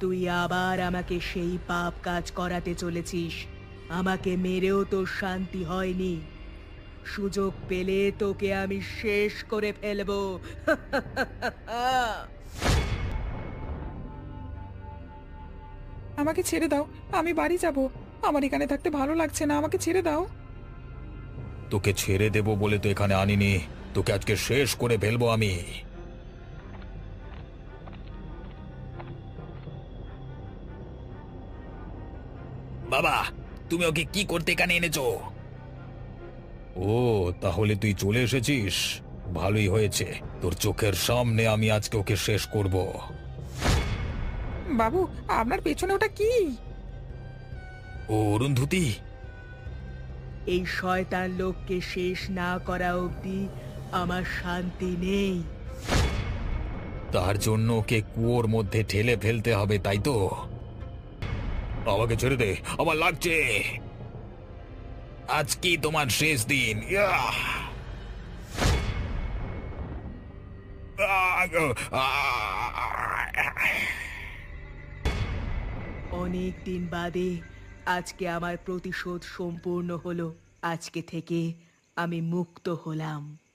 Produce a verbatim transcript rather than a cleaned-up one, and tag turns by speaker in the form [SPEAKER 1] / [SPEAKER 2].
[SPEAKER 1] তুই আবার আমাকে সেই পাপ কাজ করাতে চলেছিস। আমাকে মেরেও তোর শান্তি হয়নি। সুযোগ পেলে তোকে আমি শেষ করে ফেলবো।
[SPEAKER 2] আমাকে ছেড়ে দাও, আমি বাড়ি যাব। আমার এখানে থাকতে ভালো লাগছে না, আমাকে ছেড়ে দাও।
[SPEAKER 3] তোকে ছেড়ে দেব বলে তো এখানে আনিনি। তোকে আজকে শেষ করে ফেলবো আমি। বাবা, তুমি ওকে কি করতে এখানে এনেছো? ও, তাহলে তুই চলে এসেছিস। ভালোই হয়েছে, তোর চোখের সামনে আমি আজকে ওকে শেষ করব।
[SPEAKER 2] বাবু, আপনার পেছনে ওটা কি?
[SPEAKER 3] ও অরুন্ধতী।
[SPEAKER 1] এই শয়তান লোককে শেষ না করা অবধি আমার শান্তি নেই।
[SPEAKER 3] তার জন্য ওকে কুয়োর মধ্যে ঠেলে ফেলতে হবে, তাই তো? আমাকে ছেড়ে দে, আমার লাগছে। আজকেই তোমার শেষ দিন। ইয়াহ! আহ! আহ!
[SPEAKER 1] অনেক দিন বাদে আজকে আমার প্রতিশোধ সম্পূর্ণ হলো। আজকে থেকে আমি মুক্ত হলাম।